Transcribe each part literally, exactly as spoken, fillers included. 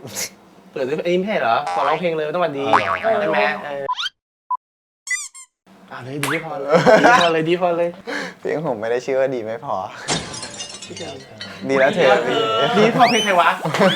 เปิดไอ้นี่ไม่ใช่เหรอขอร้องเพลงเลยต้องวันดีใช่ไหมเอออ่าเลยดีพอเลยดีพอเลยดีพอเลยเพลงผมไม่ได้ชื่อว่าดีไม่พอดีแล้วเธอดีพอเพลงใครวะ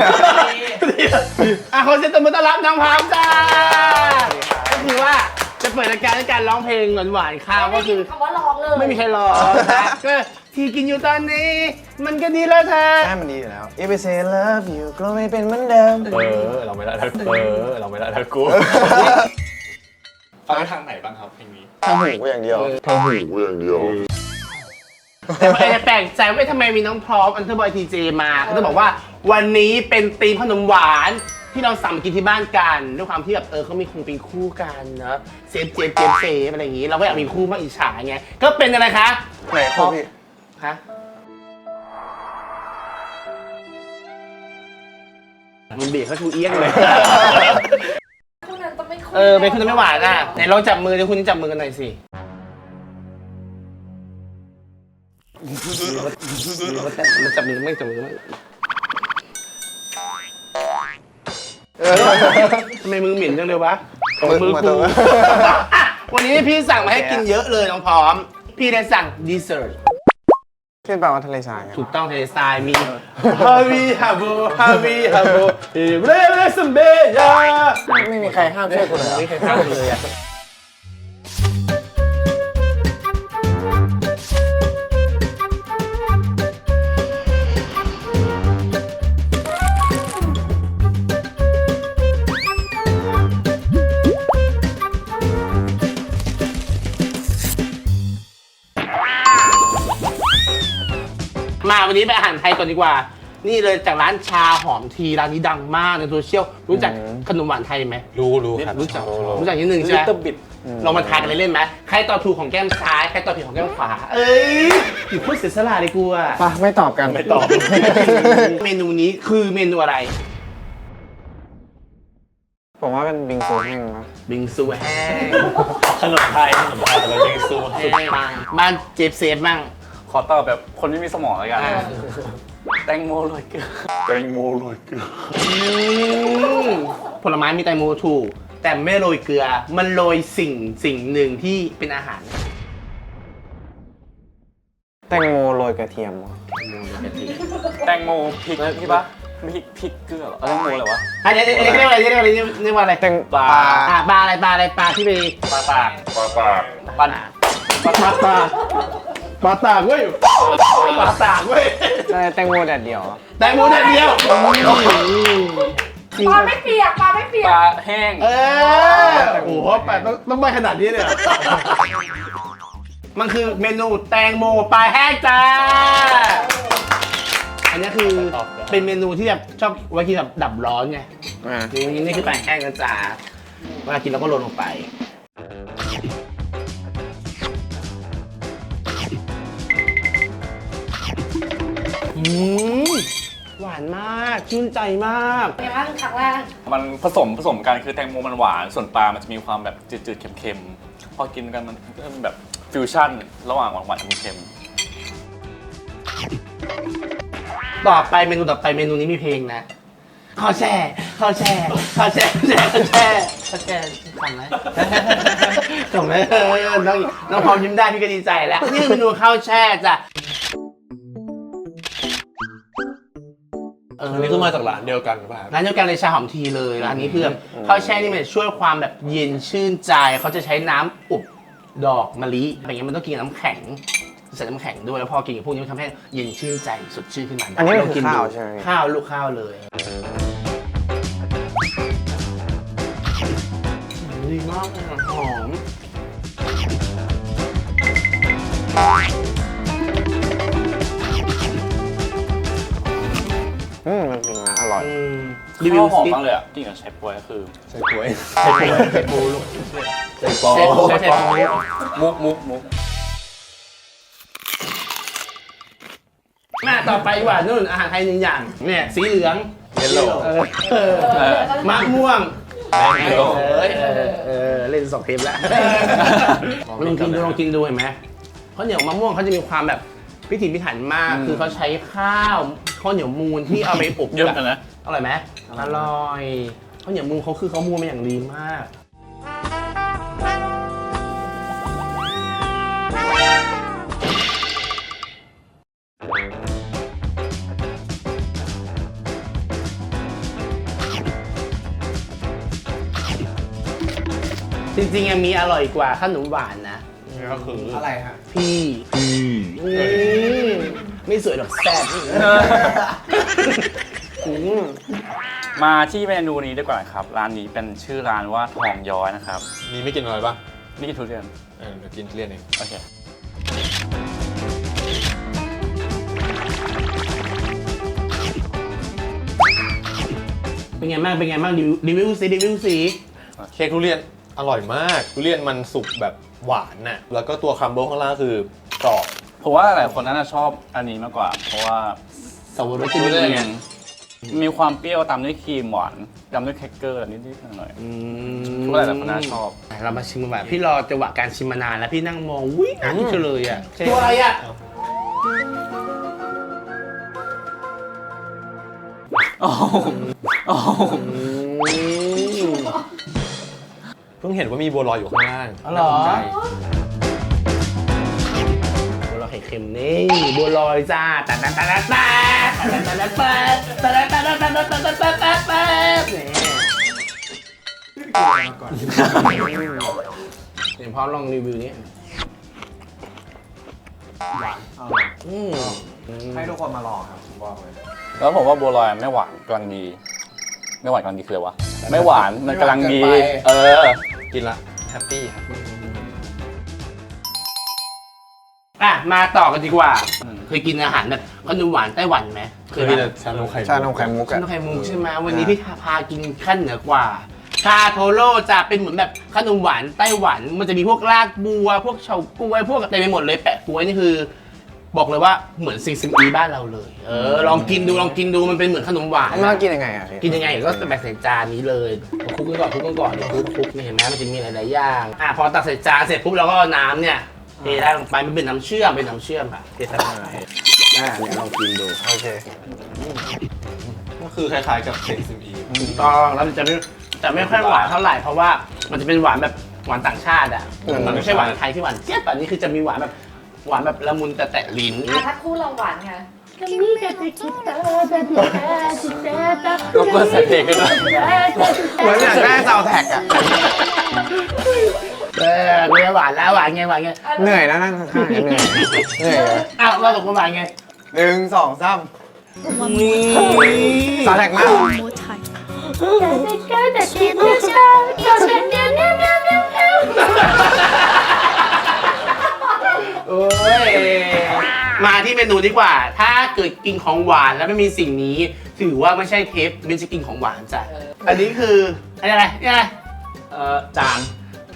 อ่ะขอเสียงตบมือต้อนรับน้องพามจ้าก็คือว่าจะเปิดรายการด้วยการร้องเพลงหวานๆข้าวก็คือคำว่าร้องเลยไม่มีใครรอนะก็ที่กินอยู่ตอนนี้ มันก็ดีแล้วเธอใช่มันดีอยู่แล้ว If I say love you ก็ไม่เป็นเหมือนเดิมเออเราไม่ได้ทักเออเราไม่ได้ทักกูฟังทางไหนบ้างครับเพลงนี้ทำหูกูอย่างเดียวทำหูกูอย่างเดียวแต่ว่าจะแปลกใจว่าทำไมมีน้องพร้อมอันเทอร์บอยทีเจมาเขาจะบอกว่าวันนี้เป็นธีมขนมหวานที่เราสั่งมากินที่บ้านกันด้วยความที่แบบเออเขามีคงเป็นคู่กันเนาะเซฟเจมเจมเซฟอะไรอย่างงี้เราก็อยากมีคู่มากอิจฉาไงก็เป็นอะไรคะไหนคู่พี่คะมันเบียดเขาชูเอี้ยงเลยคู่นั้นต้องไม่คู่เออเป็นคุณไม่หวานอ่ะไหนลองจับมือเดี๋ยวคุณจับมือกันหน่อยสิมันจับมือไม่จับมือไม่ทำไมมือเหม็นจังเลยวะมือกูวันนี้พี่สั่งมาให้กินเยอะเลยน้องพร้อมพี่ได้สั่งดีเซอร์ที่แปลว่าทะเลทรายถูกต้องทะเลทรายมีฮาวิฮาโบฮาวิฮาโบเฮเรเรสเบยาไม่มีใครห้ามช่วยกูเลยไม่เคยข้ามเลยอ่ะมาวันนี้ไปอาหารไทยก่อนดีกว่า นี่เลยจากร้านชาหอมทีร้านนี้ดังมากในโซเชียลรู้จักขนมหวานไทยไหมรู้รู้ครับรู้จักรู้จักนิดนึงใช่ไหม Little bit ลองมาทานกันเล่นๆไหมใครตอบถูกของแก้มซ้ายใครตอบผิดของแก้มขวาเอ้ยอยู่พูดเสียสละเลยกูอะปะไม่ตอบกันไม่ตอบเมนูนี้คือเมนูอะไรผมว่าเป็นบิงซูแห้งนะบิงซูแห้งขนมไทยขนมไทยแล้วบิงซูแห้งบ้านเจฟเซฟบ้างขอตอบแบบคนไม่มีสมองแล้วกันอ่าแตงโมโรยเกลือแตงโมโรยเกลืออืมผลไม้มีแตงโมถูกแต่ไม่โรยเกลือมันโรยสิ่งสิ่งหนึ่งที่เป็นอาหารแตงโมโรยกระเทียมวะแตงโมพริกพี่ปะพริกพริกเกลือเหรอแตงโมอะไรวะอันนี้เรียกเรียกว่าอะไรเรียกว่าอะไรเรียกว่าอะไรแตงปลาอ่าปลาอะไรปลาอะไรปลาที่ไปปลาปากปลาปากปลาปลาปลาปลาปลาตากเว้ยปลาตากเว้ยแตงโมแดดเดียวแตงโมแดดเดียวปลาไม่เปียกปลาไม่เปียปกลาแห้งเออโอ้โหปลาต้องต้องไปขนาดนี้เลยเหรอมันคือเมนูแตงโมปลาแห้งจ้าอันนี้คือเป็นเมนูที่แบบชอบไว้กินแบบดับร้อนไงอ่านี่นี่คือปลาแห้งนะจ๊ะเวลากินเราก็โรยลงไปอืมหวานมากชื่นใจมากเป็นไงบ้างครั้งแรกมันผสมผสมกันคือแตงโมมันหวานส่วนปลามันจะมีความแบบจืดๆเค็มๆพอกินกันมันก็เป็นแบบฟิวชั่นระหว่างหวานๆเค็มต่อไปเมนูต่อไปเมนูนี้มีเพลงนะข้าวแช่ข้าวแช่ข้าวแช่ข้าวแช่ข้าวแช่ขำไหมขำไหมเออน้องน้องพร้อมยิ้มได้พี่ก็ดีใจแล้วนี่คือเมนูข้าวแช่จ้ะอันนี้ก็มาจากร้านเดียวกันหรือเปล่าร้านเดียวกันเลยชาหอมทีเลยร้านนี้คือแบบข้าวแช่นี่มันช่วยความแบบเย็นชื่นใจเขาจะใช้น้ำอบดอกมะลิอะไรเงี้ยมันต้องกินกับน้ำแข็งใส่น้ำแข็งด้วยแล้วพอกินกับพวกนี้มันทำให้เย็นชื่นใจสดชื่นขึ้นมาอันนี้ลงคือดูข้าวใช่ไหมข้าวลูกข้าวเลยดีมากเลยอะหอมอืมมันจริงนะอร่อยอืมๆรีวิวข้าวหอมสิมากเลยอ่ะกินกับไชโป๊วยก็คือใส่ถ้วยใส่ปูใส่ปูลูกใส่ปอใส่ปูใส่ปูมุกมุกมุกมาต่อไปดีกว่านู่นอาหารไทยหนึ่งอย่างเนี่ยสีเหลืองเยลโล่เออเออเออมะม่วงแมงโก้เออเออเออเล่นสองเทปแล้วลองกินดูลองกินดูเห็นไหมข้าวเหนียวมะม่วงเขาจะมีความแบบพิถีพิถันมากคือเขาใช้ข้าวข้าวเหนียวมูนที่เอาไปอบเยอะกันนะเอร่อยไหมอร่อยข้าวเหนียวมูเขาคือเขามูมาอย่างดีมาก จริงๆยังมีอร่อยกว่าขนมหวานนะก็คืออะไรฮะพี่อืมไม่สวยหรอกแซ่บอืมมาที่เมนูนี้ดีกว่าครับ ร้านนี้เป็นชื่อร้านว่าทองย้อยนะครับมีไม่กินอะไรบ้างนี่กินทุเรียนเออเดี๋ยวกินทุเรียนเองโอเคเป็นไงบ้างเป็นไงบ้างรีวิวรีวิวสิรีวิวสิเค้กทุเรียนอร่อยมาก ทุเรียนมันสุกแบบหวานน่ะ แล้วก็ตัวคัมเบิลข้างล่างคือกรอบผมว่าหลายคนน่าจะชอบอันนี้มากกว่า เพราะว่าสวรสทุทุเรีเรียยนนมีความเปรี้ยวตามด้วยครีมหวานตามด้วยแครกเกอร์นิดๆหน่อยอืๆทุกหลายๆคนน่าชอบเรามาชิมกันแบบพี่รอจังหวะการชิมมานานแล้วพี่นั่งมองวิ่งอ่ะที่เฉลยอ่ะตัวอะไรอ่ะโอ้โหโอ้โหเพิ่งเห็นว่ามีบัวลอยอยู่ข้างล่างอ๋อเหรอน่าสนใจบัวลอยไข่เค็มนี่บัวลอยจ้าตัดตัดตัดตัดตัดตัดตัดตัดตัดตัดตัดตัดตัดตัดตัดตัดตัดตัดตัดเนี่ยเดี๋ยวพร้อมลองรีวิวนี้หวานอืมให้ทุกคนมาลองครับผมบอกเลยแล้วผมว่าบัวลอยไม่หวานกำลังดี ไม่หวานกำลังดีคืออะไรวะ ไม่หวานมันกำลังดี เออกินละแฮปปี้ครับอ่ะมาต่อกันดีกว่าอืมเคยกินอาหารแบบขนมหวานไต้หวันไหมเคยมีแต่ชานมไข่ชานมไข่มุกขอะนมไข่มุกใช่ไหมวันนี้พี่พากินขั้นเหนือกว่าชาโทโร่จะเป็นเหมือนแบบขนมหวานไต้หวัน มันจะมีพวกรากบัว พวกเฉาก๊วยพวกเต็มไปหมดเลยแปะก๊วยนี่คือ บอกเลยว่าเหมือนซิงซิมอีบ้านเราเลย เออลองกินดูลองกินดูมันเป็นเหมือนขนมหวานมันต้องกินยังไงอ่ะพี่กินยังไงก็แบ่งใส่จานนี้เลยคลุกกันก่อนคลุกกันก่อนเดี๋ยวคลุกคลุกนี่เห็นไหมมันจะมีหลายๆอย่างอ่ะพอตักใส่จานเสร็จปุ๊บเราก็เอาน้ำเนี่ยเทได้ลงไปมันเป็นน้ำเชื่อมเป็นน้ำเชื่อมค่ะเทใส่ลงไปอ่ะเนี่ยลองกินดูโอเคก็คือคล้ายๆกับเค้กซิมอีถูกต้องแล้วมันจะไม่จะไม่ค่อยหวานเท่าไหร่เพราะว่ามันจะเป็นหวานแบบหวานต่างชาติอ่ะมันไม่ใช่หวานไทยที่หวานเจี๊ยบอันนี้คือจะมีหวานแบบหวานแบบละมุนแต่แตะลิ้นอ่ะถ้าคู่เราหวานไงรบกวนใส่เพลงกันด้วยเหมือนอยากได้ซาวด์แท็กอะเออเนื้อหวานแล้วหวานไงหวานไงเหนื่อยนะนั่งข้างๆเนี่ยเหนื่อยเหนื่อยเลยอ้าวเราตกลงหวานไงหนึ่งสองสามนี่ซาวด์แท็กมาก more time. โอ้ยมาที่เมนูดีกว่า ถ้าเกิดกินของหวานแล้วไม่มีสิ่งนี้ ถือว่าไม่ใช่เทปไม่ใช่กินของหวานจ้ะอันนี้คืออะไรนี่อะไรเอ่อจาน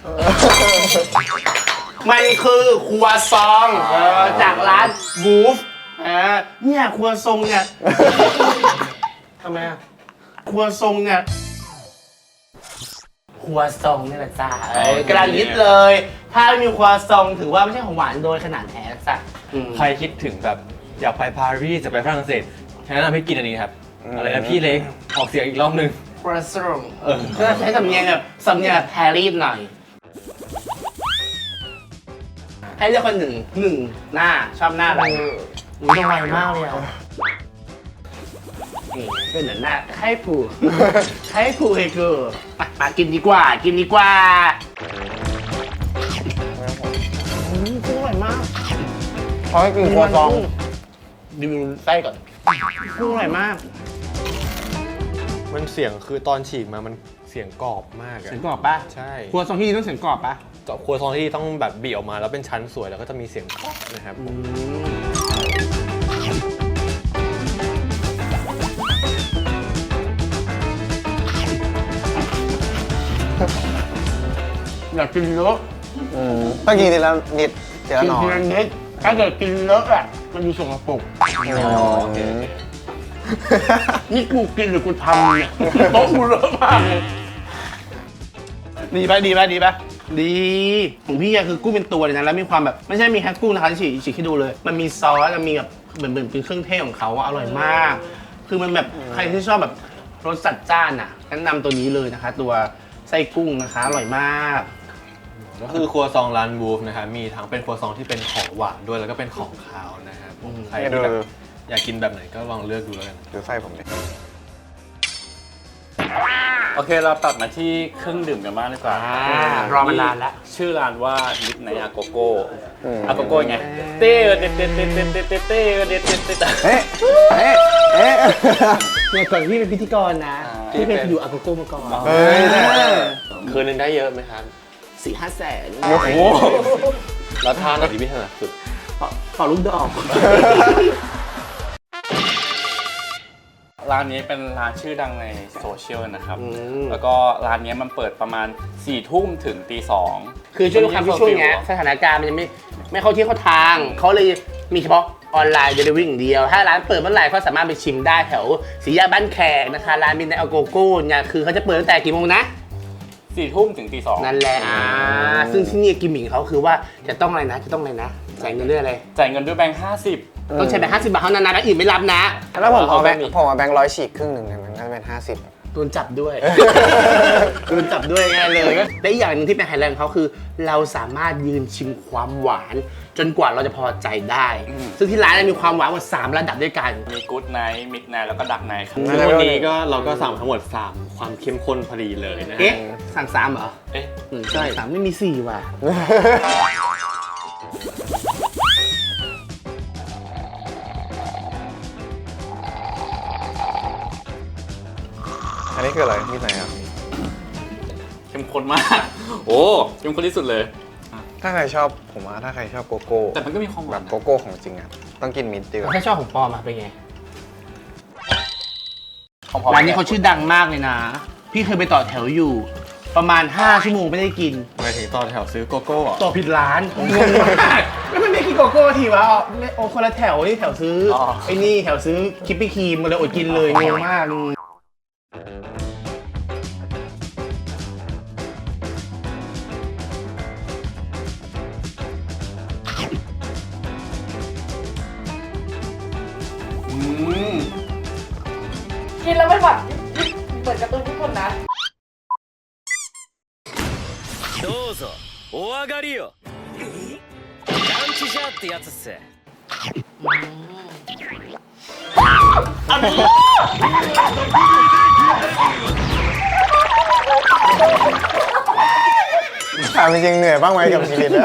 มันคือครัวซองเออจากร้านบูฟอ่าเนี่ยครัวซองเนี่ยทำไมอะครัวซองเนี่ยครัวซองนี่แหละจ้าเออกระดานยิดเลย ถ้าไม่มีครัวซองถือว่าไม่ใช่ของหวานโดยขนาดแท้จ้ะอืมใครคิดถึงแบบอยากไปปารีสจะไปฝรั่งเศสแนะนำให้กินอันนี้ครับ อะไรนะพี่เล็ก ออกเสียงอีกรอบหนึงครัวซองเออก็ใช้สำเนียงแบบสำเนียงแบบแพรีสหน่อย ให้เลือกคนหนึ่งหนึ่งหน้าชอบหน้าอะไรอุ้ยต้องไวมากเลยอ่ะนี่เป็นเหมือนหน้าให้ผูกให้ผูกให้กูมามากินดีกว่า กินดีกว่าอืมกุ้งอร่อยมากเขาให้กินครัวซองดูไส้ก่อนกุ้งอร่อยมากมันเสียงคือตอนฉีกมามันเสียงกรอบมากอะเสียงกรอบปะใช่ครัวซองที่นี่ต้องเสียงกรอบปะกับครัวซองที่ต้องแบบบีบออกมาแล้วเป็นชั้นสวยแล้วก็จะมีเสียงกรอบนะครับอืมอยากกินเยอะอืมต้องกินทีละนิดทีละกินหน่อทียละนิดถ้าเกิดกินเยอะอ่ะมันดูสกปรกโอเคนี่กูกินหรือกูทำเนี่ยโต๊ะกูเลอะมากดีปะดีปะดีปะดีของพี่อะคือกุ้งเป็นตัวเลยนะแล้วมีความแบบไม่ใช่มีแค่กุ้งนะคะฉีกฉีกให้ดูเลย มันมีซอสแล้วมีแบบเหมือนเหมือนเป็นเครื่องเทศของเขาอะอร่อยมาก คือมันแบบใครที่ชอบแบบรสจัดจ้านอ่ะแนะนำตัวนี้เลยนะคะ ตัวไส้กุ้งนะคะอร่อยมากก็คือครัวซองร้านบูฟนะครับมีทั้งเป็นครัวซองที่เป็นของหวานด้วยแล้วก็เป็นของคาวนะครับผมใครที่แบบอยากกินแบบไหนก็ลองเลือกดูแล้วกันดูไส้ผมดิโอเคเราตัดมาที่เครื่องดื่มกันบ้างดีกว่าอ่ารอมานานแล้วชื่อร้านว่ามิดไนอาโกโก้อาโกโก้ไงเต้เต้เต้เต้เต้เต้เต้เต้เต้เต้เต้เต้เอ๊ะเอ๊ะเอ๊ะเนี่ยก่อนพี่เป็นพิธีกรนะอ่าพี่เป็นอยู่อาโกโก้มาก่อนเฮ้ยคืนนึงได้เยอะไหมครับสี่ห้าแสนโอ้โหแล้วท่าไหนที่พี่ถนัดสุดเป่าลูกดอกร้านนี้เป็นร้านชื่อดังในโซเชียลนะครับอืมแล้วก็ร้านนี้มันเปิดประมาณ4ี่ทุ่มถึงตีสองคือช่วงความที่ช่วงเนี้ยสถานการณ์มันยังไม่ไม่เข้าที่เข้าทาง เขาเลยมีเฉพาะออนไลน์เดลิเวอรี่อย่างเดียว ถ้าร้านเปิดเมื่อไหร่ก็สามารถไปชิมได้แถวสีแยกบ้านแขกนะคะ ร้านมินในอาโกโก้เนี่ยคือเขาจะเปิดตั้งแต่กี่โมงนะสี่ทุ่มถึงตีสองนั่นแหละอ่าซึ่งที่นี่กิมมิคเขาคือว่าจะต้องอะไรนะ จะต้องอะไรนะจ่ายเงินด้วยอะไรจ่ายเงินด้วยแบงค์ห้าสิบต้องใช้แบงค์ห้าสิบบาทเท่านั้นนะแล้วอื่นไม่รับนะแล้วผมเอาแบงค์เอาไปผมเอาแบงค์ร้อยฉีกครึ่งหนึ่งเนี่ยมันก็จะเป็นห้าสิบโดนจับด้วย โดนจับด้วยง่ายเลยและอีกอย่างหนึงที่เป็นไฮไลท์ของเขาคือ เราสามารถยืนชิมความหวาน จนกว่าเราจะพอใจได้ ซึ่งที่ร้านเนยมีความหวานกว่าสามระดับด้วยกันมีกู๊ดไนท์มิดไนท์แล้วก็ดักไนท์ครับซึ่งวันนี้ก็เราก็สั่งทั้งหมดสามความเข้มข้นพอดีเลยนะฮะเอ๊ะ สั่งสามเหรอเอ๊ะอืมใช่สามไม่มีสี่ว่ะอันนี้คืออะไรที่ไหนอ่ะเข้มข้นมาก โอ้เข้มข้นที่สุดเลยถ้าใครชอบผมว่าถ้าใครชอบโกโก้แต่มันก็มีความหแบวานบโกโก้ของจริงอ่ะต้องกินมินท์ดีกว่าถ้าชอบของปลอมอะเป็นไงของพอร้านนี้เขาชื่อดังมากเลยนะ พี่เคยไปต่อแถวอยู่ ประมาณห้าชั่วโมงไม่ได้กินหมายถึงตอนแถวซื้อโกโก้เหรอต่อผิดร้านงงมากแล้วมันไม่กินโกโก้ทีวะอ๋อไม่โอ้คนละแถวนี่แถวซื้ออไอ้นี่แถวซื้อคิปปี้ครีมมาเลยอดกินเลยงงมากอืมกินแล้วมันแบบเหมือนการ์ตูนญี่ปุ่นนะどうぞお上がりよランチじゃってやつっすถามจริงๆเหนื่อยบ้างไหมกับชีวิตอะ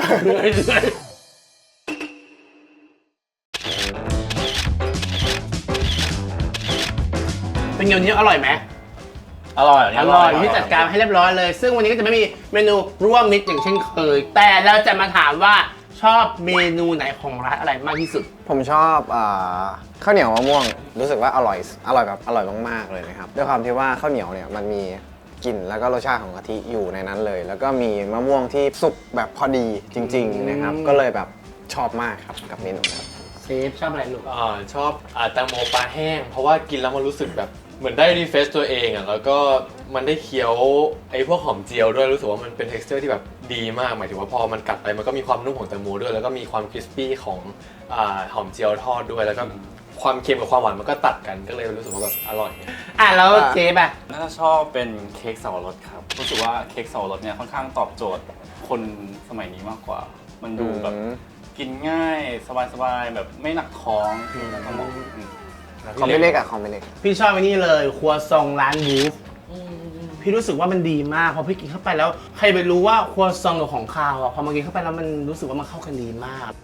เป็นไงวันนี้อร่อยไหมอร่อยอร่อยที่จัดการให้เรียบร้อยเลย ซึ่งวันนี้ก็จะไม่มีเมนูร่วมมิตรอย่างเช่นเคย แต่เราจะมาถามว่าชอบเมนูไหนของร้านอะไรมากที่สุดผมชอบอ่าข้าวเหนียวมะม่วง รู้สึกว่าอร่อยอร่อยแบบอร่อยมากๆเลยนะครับด้วยความที่ว่าข้าวเหนียวเนี่ยมันมีกลิ่นแล้วก็รสชาติของกะทิอยู่ในนั้นเลย แล้วก็มีมะม่วงที่สุกแบบพอดีจริง ๆนะครับ ก็เลยแบบชอบมากครับกับเมนูครับเซฟชอบอะไรลูกอ่าชอบอ่าแตงโมปลาแห้ง เพราะว่ากินแล้วมันรู้สึกแบบเหมือนได้รีเฟรชตัวเองอ่ะแล้วก็มันได้เคี้ยวไอ้พวกหอมเจียวด้วยรู้สึกว่ามันเป็น texture ที่แบบดีมากหมายถึงว่าพอมันกัดไปมันก็มีความนุ่มของแตงโมด้วยแล้วก็มีความคริสปี้ของอ่าหอมเจียวทอดด้วยแล้วก็ความเค็มกับความหวานมันก็ตัดกันก็เลยรู้สึกว่าแบบอร่อยอ่ะแล้วเซฟอ่ะน่าจะชอบเป็นเค้กสับปะรดครับ รู้สึกว่าเค้กสับปะรดเนี่ยค่อนข้างตอบโจทย์คนสมัยนี้มากกว่า มันดูแบบอืมกินง่ายสบายๆแบบไม่หนักท้องแล้วก็เหมาะอืมคอมไม่เล็กอะคอมไม่เล็กพี่ชอบไอ้นี่เลยครัวซองร้านบูฟพี่รู้สึกว่ามันดีมากพอพี่กินเข้าไปแล้วใครไปรู้ว่าครัวซองกับของคาวอ่ะพอมากินเข้าไปแล้วมันรู้สึกว่ามันเข้ากันดีมาก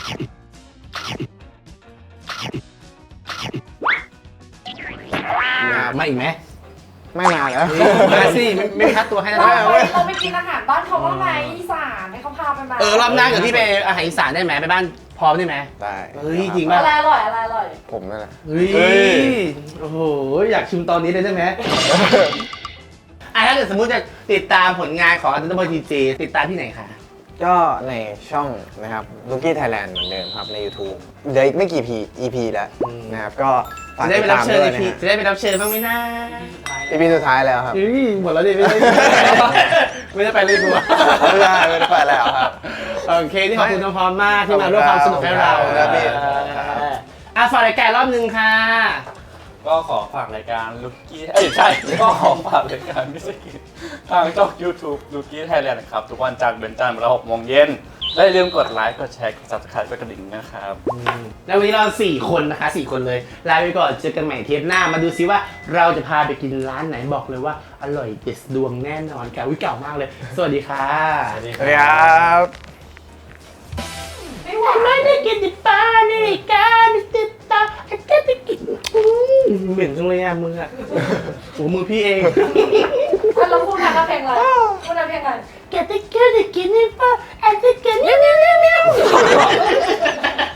มามาอีกไหมไม่นานแล้วมาสิไม่ไม่คัดตัวให้นะเราไปเราไปกินอาหารบ้านเขาบ้างไหมอีสานให้เขาพาไปไหมเออรอบหน้าเดี๋ยวพี่ไปอาหารอีสานได้ไหมไปบ้านพร้อมได้ไหมได้เฮ้ยจริงป่ะอะไรอร่อยอะไรอร่อยผมนั่นแหละเฮ้ยโอ้โหอยากชิมตอนนี้เลยได้ไหมอ่ะถ้าเกิดสมมุติจะติดตามผลงานของอันเดอร์บอยทีเจติดตามที่ไหนคะก็ในช่องนะครับ Lucky Thailand เหมือนเดิมครับใน YouTube เดี๋ยวอีกไม่กี่ อี พี แล้วนะครับก็ฝากจะได้ติไปดรับตามเชิญด้วอียนะพีฮะจะได้ไปรับเชิญบ้างไหมนะอี พี สุดท้ายแล้วครับเฮ้ยหมดแล้วดิไม่ได้ไม่ได้ไปเลยกูไม่ได้ไม่ได้ไปแล้วครับโอเคที่ขอบคุณน้องพร้อมมากที่มาร่วมความสนุกให้เราขอบคุณครับพี่อ่ะฝากรายการรอบนึงค่ะก็ขอฝากรายการลูกี้เอ้ยใช่ ก็ขอฝากรายการไม่ใช่กินทางช่อง YouTube ลูกี้ไทยแลนด์นะครับ ทุกวันจันทร์เป็นจันทร์เวลาหกโมงเย็นและอย่าลืมกดไลค์กดแชร์กด ซับสไครบ์ กดกระดิ่งนะครับแล้ววันนี้เราสี่คนนะคะสี่คนเลยลาไปก่อนเจอกันใหม่เทปหน้ามาดูซิว่าเราจะพาไปกินร้านไหนบอกเลยว่าอร่อยเด็ดดวงแน่นอนค่ะวิเก่ามากเลย สวัสดีค่ะสวัสดีสวัสดีครับไม่ไหวไม่ได้กินติดปลานี่การติดตาไอ้แกไปกินอืมเหม็นจังเลยอ่ะมึงอ่ะโอ้มือพี่เองอ่ะเราพูดกันเพลงอะไรพูดกันเพลงอะไรแกจะกินจะกินนี่ปะไอ้จะกินเนี่ยเนี่ยเนี่ย